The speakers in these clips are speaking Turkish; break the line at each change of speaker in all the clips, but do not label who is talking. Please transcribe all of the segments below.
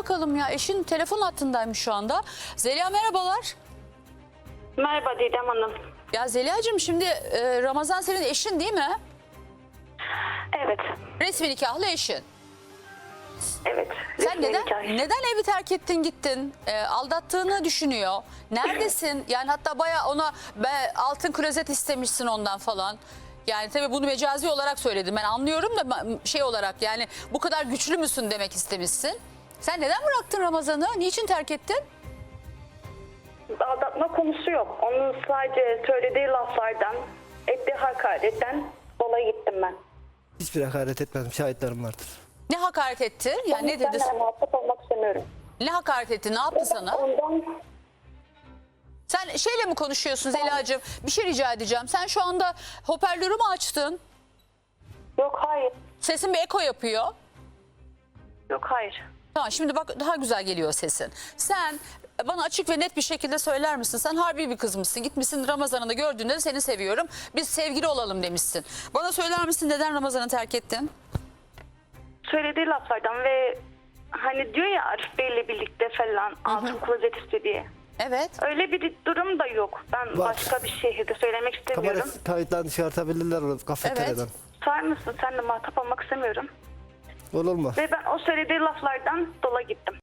bakalım ya. Eşin telefon hattındaymış şu anda. Zeliha merhabalar.
Merhaba Didem Hanım.
Ya Zeliha'cığım şimdi Ramazan senin eşin değil mi?
Evet.
Resmi nikahlı eşin.
Evet.
Sen
Resmi nikah.
neden evi terk ettin gittin? Aldattığını düşünüyor. Neredesin? Yani hatta bayağı ona altın klozet istemişsin ondan falan. Yani tabii bunu mecazi olarak söyledim. Ben anlıyorum da şey olarak yani bu kadar güçlü müsün demek istemişsin. Sen neden bıraktın Ramazan'ı? Niçin terk ettin?
Aldatma konusu yok. Onun sadece söylediği laflardan, ettiği hakaretten dolayı gittim ben.
Hiçbir hakaret etmedim. Şahitlerim vardır.
Ne hakaret etti? Yani ne dedi?
Ben muhatap olmak istemiyorum.
Ne hakaret etti? Ne yaptı sana?
Ondan
Sen şeyle mi konuşuyorsun Zeliha'cığım? Bir şey rica edeceğim. Sen şu anda hoparlörü mü açtın?
yok hayır.
Sesin bir eko yapıyor.
Yok hayır.
Tamam şimdi bak daha güzel geliyor sesin. Sen bana açık ve net bir şekilde söyler misin? Sen harbi bir kız mısın? Gitmişsin Ramazan'ı da gördüğünde de seni seviyorum. Biz sevgili olalım demişsin. Bana söyler misin neden Ramazan'ı terk ettin?
Söylediği laflardan ve hani diyor ya Arif Bey'le birlikte falan altın klozet istedi diye.
Evet.
Öyle bir durum da yok. Ben
Var.
başka bir şehirde söylemek istemiyorum.
Kamera kayıtlarını çıkartabilirler kafeteryadan.
Sar mısın? Sen de muhatap olmak istemiyorum.
Olur mu?
Ve ben o söylediği laflardan dolayı gittim.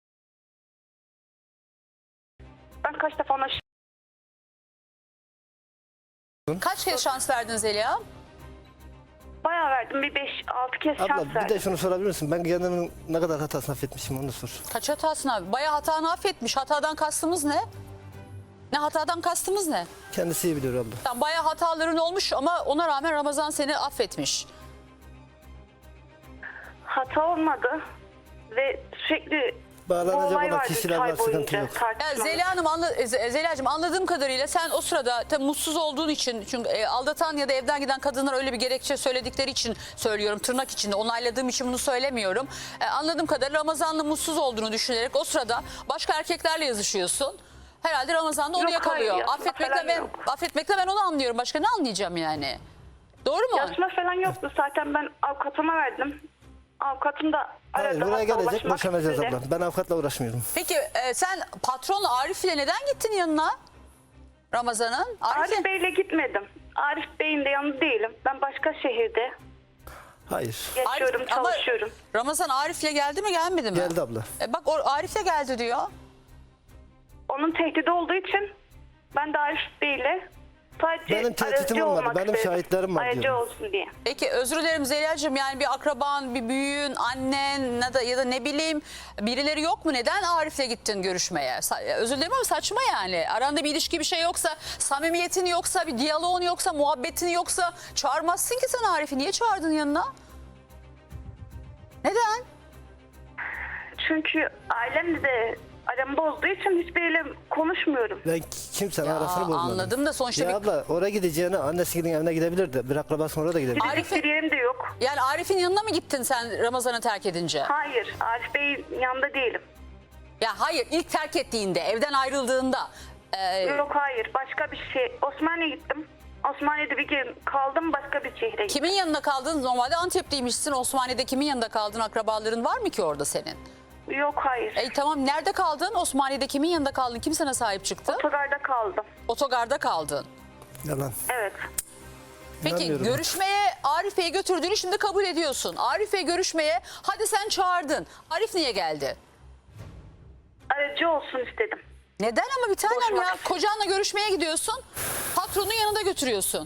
Ben kaç defa ona
Kaç kez şans verdin Zeliha?
bayağı verdim. Bir 5-6 kez şans
Abla bir
verdim.
de şunu sorabilir misin? Ben kendimin ne kadar hatasını affetmişim onu sor.
Kaç hatasını abi? Bayağı hatanı affetmiş. Hatadan kastımız ne? Ne hatadan kastımız ne?
Kendisi iyi biliyor abla.
Tamam, bayağı hataların olmuş ama ona rağmen Ramazan seni affetmiş.
Hata olmadı. Ve sürekli bu
Bağlanacak
olay
olan
vardı
kişiler
3
var,
ay
sıkıntı
boyunca
yok.
Ya
tartışmamız.
Zeliha Hanım, Zeliha'cığım anladığım kadarıyla sen o sırada tabii mutsuz olduğun için, çünkü aldatan ya da evden giden kadınlar öyle bir gerekçe söyledikleri için söylüyorum, tırnak içinde onayladığım için bunu söylemiyorum. Anladığım kadarıyla Ramazan'la mutsuz olduğunu düşünerek o sırada başka erkeklerle yazışıyorsun. Herhalde Ramazan da onu
Yok,
yakalıyor.
hayır,
Affetmekle ben onu anlıyorum. Başka ne anlayacağım yani? Doğru mu?
Yazma falan yoktu. Zaten ben avukatıma verdim. Avukatım da
Hayır
aradı.
buraya
hatta
gelecek
ulaşmak
boşanacağız
istedi.
abla. Ben avukatla uğraşmıyorum.
Peki sen patron Arif ile neden gittin yanına? Ramazan'ın?
Arif Bey'le gitmedim. Arif Bey'in de yanında değilim. Ben başka şehirde
Hayır.
yaşıyorum,
Ama
çalışıyorum.
Ramazan Arif'le geldi mi gelmedi mi?
Geldi abla.
Bak Arif'le geldi diyor.
Onun tehdidi olduğu için ben de Arif Bey'le sadece
Benim tehditim
aracı
olmadı.
olmak
Benim
istedim.
şahitlerim var
Aracı
diyorum.
olsun diye.
Peki özür dilerim Zeliha'cığım, yani bir akraban, bir büyüğün, annen ya da ne bileyim birileri yok mu? Neden Arif'le gittin görüşmeye? Özür dilerim ama saçma yani. Aranda bir ilişki, bir şey yoksa, samimiyetin yoksa, bir diyaloğun yoksa, muhabbetin yoksa çağırmazsın ki sen Arif'i. Niye çağırdın yanına? Neden?
Çünkü ailemle de aramı bozduğu için hiçbiriyle konuşmuyorum.
Ben kimsenin arasını bozmadım.
Anladım da sonuçta
Ya abla oraya gideceğine annesinin evine gidebilirdi. Bir akrabası orada da gidebilir.
Arif-
Gidecek bir yerim de yok.
yani Arif'in yanına mı gittin sen Ramazan'ı terk edince?
Hayır, Arif Bey'in yanında değilim.
Ya hayır, ilk terk ettiğinde, evden ayrıldığında.
Yok hayır, başka bir şey. Osmaniye'ye gittim. Osmaniye'de bir gün kaldım, başka bir şehre gittim.
Kimin yanında kaldın? Normalde Antep'liymişsin. Osmaniye'de kimin yanında kaldın? Akrabaların var mı ki orada senin?
Yok hayır.
Tamam, nerede kaldın? Osmaniye'de kimin yanında kaldın? Kim sana sahip çıktı?
Otogarda kaldım.
Otogarda kaldın.
Yalan.
Evet.
Peki
İnanmıyorum.
görüşmeye Arif Bey'i götürdüğünü şimdi kabul ediyorsun. Arif Bey görüşmeye hadi sen çağırdın. Arif niye geldi?
Aracı olsun istedim.
Neden ama bir tanem
Boşuna.
ya? Kocanla görüşmeye gidiyorsun. Patronun yanında götürüyorsun.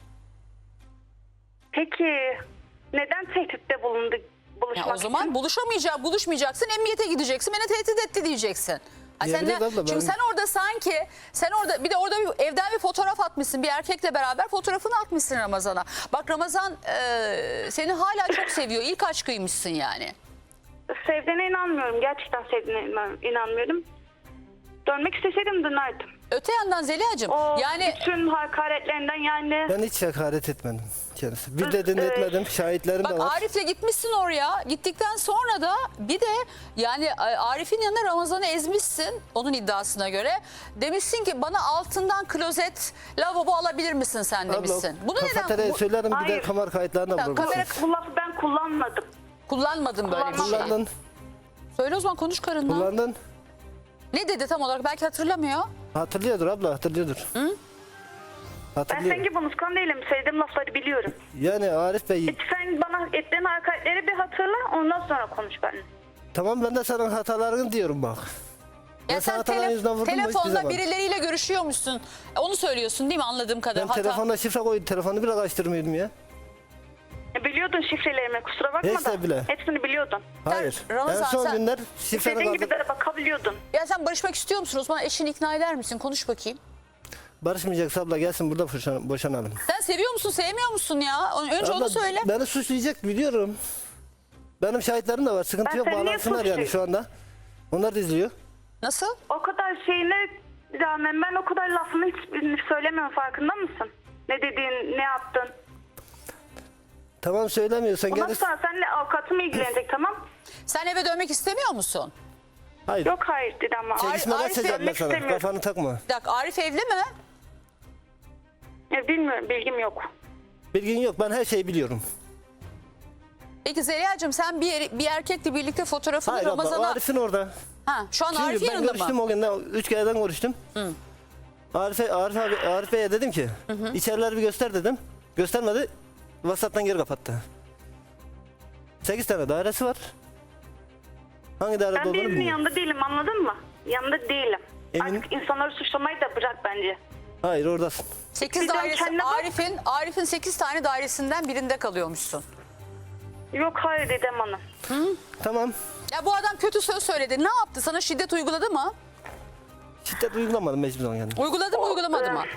Peki neden tehditte bulundu buluşmak
Ya o zaman
için?
buluşmayacaksın, emniyete gideceksin. Beni tehdit etti diyeceksin. Ha sen
Diyebiliriz abla,
çünkü
ben-
sen orada bir de orada bir evden bir fotoğraf atmışsın. Bir erkekle beraber fotoğrafını atmışsın Ramazan'a. Bak Ramazan seni hala çok seviyor. İlk aşkıymışsın yani.
Sevdiğine inanmıyorum. Gerçekten sevdiğine inanmıyorum. Dönmek isteseydim dönerdim.
Öte yandan Zeliha'cığım
O
yani
bütün hakaretlerinden yani
Ben hiç hakaret etmedim kendisi. Bir dediğini etmedim. Şahitlerim de
bak
var.
Arif'le gitmişsin oraya. Gittikten sonra da bir de yani Arif'in yanında Ramazan'ı ezmişsin onun iddiasına göre. Demişsin ki bana altından klozet, lavabo alabilir misin sen demişsin. Bunu
kafeteryaya
neden
söylerim bir de
Hayır.
kamera kayıtlarına
Ya,
vurursun.
kamera-
bu lafı ben kullanmadım.
kullanmadın böyle bir şey?
Kullandın.
Söyle o zaman, konuş karınla.
Kullandın.
Ne dedi tam olarak, belki hatırlamıyor.
Hatırlıyordur abla, hatırlıyordur.
Ben
Hatırlıyor.
senin gibi unutkan değilim. Söylediğim lafları biliyorum.
Yani Arif Bey,
Sen bana ettiğin hakaretleri bir hatırla, ondan sonra konuş benimle.
tamam ben de sana hatalarını diyorum bak. Ben
Ya
sana
sen
hataların yüzünden vurdum mu hiçbir
telefonda
zaman?
birileriyle görüşüyormuşsun. Onu söylüyorsun değil mi, anladığım
Ben
kadarıyla?
telefonda şifre koydum, telefonu bile açtırmıyordum ya.
Biliyordun şifrelerimi, kusura bakma
Neyse
da.
bile.
Hepsini biliyordun.
Hayır.
Ramazan,
en son
sen-
günler şifreni
İstediğin gibi
kaldır.
de bakabiliyordun.
Ya sen barışmak istiyor musun Osman? Eşini ikna eder misin? Konuş bakayım.
Barışmayacaksa abla gelsin burada boşanalım.
Sen seviyor musun, sevmiyor musun ya? Önce onu
Abla,
söyle.
Beni suçlayacak biliyorum. Benim şahitlerim de var. Sıkıntı
Ben
yok.
seni niye
Bağlansınlar yani
suçlayayım?
şu anda. Onlar da izliyor.
Nasıl?
O kadar şeyine rağmen ben o kadar lafını hiçbirini söylemiyorum, farkında mısın? Ne dediğin, ne yaptın?
Tamam söylemiyorsan
Ondan
gel.
sonra seninle avukatım ilgilenecek, tamam?
Sen eve dönmek istemiyor musun?
Hayır.
Yok hayır dedi ama.
Çekişmeden
Arif
açacağım ben
vermek
sana.
istemiyorum.
Kafanı takma.
Bir dakika, Arif evli mi?
Ya bilmiyorum, bilgim yok.
Bilgin yok. Ben her şeyi biliyorum.
Peki Zeliha'cığım, sen bir erkekle birlikte fotoğrafını
Hayır abla. O
Ramazan'a...
Arif'in orada.
Ha, şu an Arif
Çünkü ben
yanında
görüştüm
mı?
o gün. 3 kereden görüştüm. Arif Bey'e dedim ki içerileri bir göster dedim. Göstermedi. WhatsApp'tan geri kapattı. 8 tane dairesi var. Hangi dairede
Ben
olduğunu
birinin
bilmiyorum.
yanında değilim, anladın mı? Yanında değilim.
Emin-
Artık insanları suçlamayı da bırak bence.
Hayır oradasın.
8
Bir de
dairesi,
kendine bak.
Arif'in 8 tane dairesinden birinde kalıyormuşsun.
Yok hayır Didem Hanım.
Tamam.
Ya bu adam kötü söz söyledi. Ne yaptı? Sana şiddet uyguladı mı?
Şiddet uygulamadım mecbur zaman yani.
Uyguladı mı, uygulamadı mı?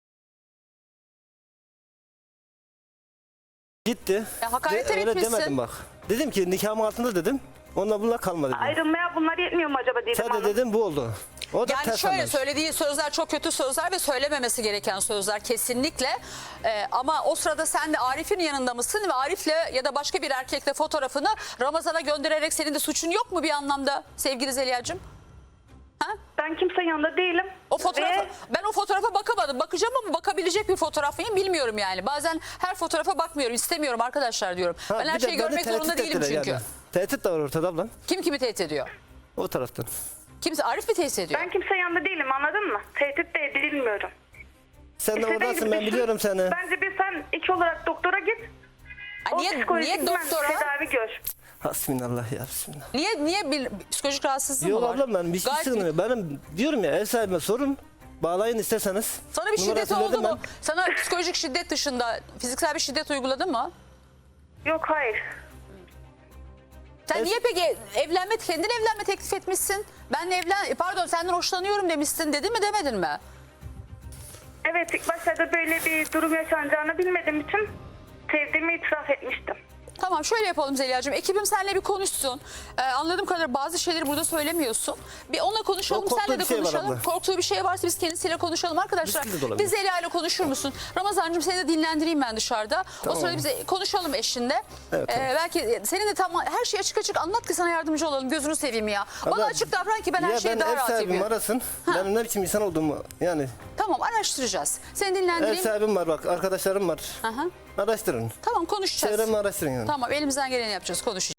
Gitti.
Ya hakaret
De- öyle
etmişsin.
demedim bak. Dedim ki nikahım altında dedim. Onunla bununla kalma dedim.
Ayrılmaya bunlar yetmiyor mu acaba Didem
Sadece
Hanım?
dedim bu oldu. O da
Yani
ters
şöyle,
anlamış.
söylediği sözler çok kötü sözler ve söylememesi gereken sözler kesinlikle. Ama o sırada sen de Arif'in yanında mısın ve Arif'le ya da başka bir erkekle fotoğrafını Ramazan'a göndererek senin de suçun yok mu bir anlamda sevgili Zeliha'cığım?
Ben kimsenin yanında değilim.
O fotoğrafa,
Ve
ben o fotoğrafa bakamadım. Bakacağım ama bakabilecek bir fotoğraf mıyım bilmiyorum yani. Bazen her fotoğrafa bakmıyorum, istemiyorum arkadaşlar diyorum.
Ha,
ben her
bir de
şeyi
beni
görmek
tehdit
zorunda değilim
ettiler
çünkü.
yani. Tehdit de var ortada ablam.
Kim kimi tehdit ediyor?
O taraftan.
Kimse, Arif mi tehdit ediyor?
ben kimsenin yanında değilim, anladın mı? Tehdit de edilmiyorum.
Sen de
İstediğin
oradasın
gibi
ben
düşün.
biliyorum seni.
Bence bir sen iki olarak doktora git.
Ha,
O
niye
psikolojik
doktora?
tedavi gör.
Hasbinallah ya bismillah.
Niye bir psikolojik rahatsızlığın
Yok
mı var?
ablam ben bir şey
Gayet-
sıkıntı. Benim diyorum ya ev sahibime sorun. Bağlayın isterseniz.
Sana bir şiddet
Numarasını
oldu
verdim
mu?
ben.
Sana psikolojik şiddet dışında fiziksel bir şiddet uyguladı mı?
Yok hayır.
Sen
Evet.
niye peki kendin evlenme teklif etmişsin? Senden hoşlanıyorum demişsin, dedi mi demedin mi?
Evet, ilk başlarda böyle bir durum yaşanacağını bilmediğim için sevdiğimi itiraf etmiştim.
Tamam, şöyle yapalım Zeliha'cığım. Ekibim seninle bir konuşsun. Anladığım kadarıyla bazı şeyleri burada söylemiyorsun. Bir onunla konuşalım,
O korktuğu
senle de
bir şey var
konuşalım.
abla.
Korktuğu bir şey varsa biz kendisiyle konuşalım arkadaşlar.
Riskli de olabilir.
Bir Zeliha ile konuşur musun? Ramazancığım, seni de dinlendireyim ben dışarıda. O
Tamam.
sırada bize konuşalım eşinle.
Evet, tamam.
Belki senin de tam her şeyi açık açık anlat ki sana yardımcı olalım. Gözünü seveyim ya. Bana
Abla,
açık davran ki ben her
ya
şeye
ben
daha
ev
rahat
sahibim
yapayım.
arasın. Benim ne biçim insan olduğumu yani.
Tamam, araştıracağız. Seni
Ev
dinlendireyim.
sahibim var bak arkadaşlarım var.
Aha.
Araştırın.
Tamam, konuşacağız.
Çevremi araştırın yani.
Tamam, elimizden geleni yapacağız, konuşacağız.